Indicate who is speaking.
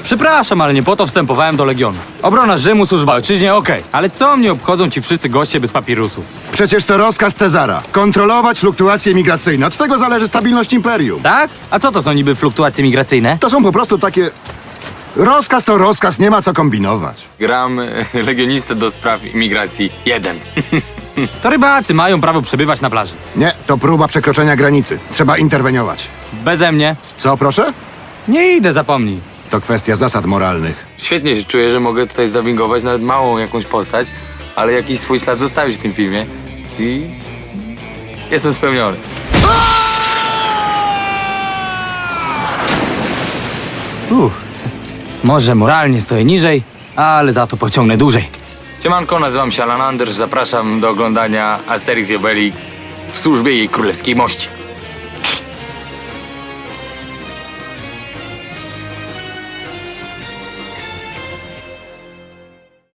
Speaker 1: Przepraszam, ale nie po to wstępowałem do Legionu. Obrona Rzymu, służba ojczyźnie, okej. Ale co mnie obchodzą ci wszyscy goście bez papirusów?
Speaker 2: Przecież to rozkaz Cezara. Kontrolować fluktuacje migracyjne. Od tego zależy stabilność imperium.
Speaker 1: Tak? A co to są niby fluktuacje migracyjne?
Speaker 2: To są po prostu takie... Rozkaz to rozkaz, nie ma co kombinować.
Speaker 3: Gram legionistę do spraw imigracji 1.
Speaker 1: To rybacy mają prawo przebywać na plaży.
Speaker 2: Nie, to próba przekroczenia granicy. Trzeba interweniować.
Speaker 1: Beze mnie.
Speaker 2: Co, proszę?
Speaker 1: Nie idę, zapomnij.
Speaker 2: To kwestia zasad moralnych.
Speaker 3: Świetnie się czuję, że mogę tutaj zawingować nawet małą jakąś postać, ale jakiś swój ślad zostawić w tym filmie. I jestem spełniony.
Speaker 1: Może moralnie stoję niżej, ale za to pociągnę dłużej.
Speaker 3: Siemanko, nazywam się Alan Anders, zapraszam do oglądania Asterix i Obelix w służbie jej królewskiej mości.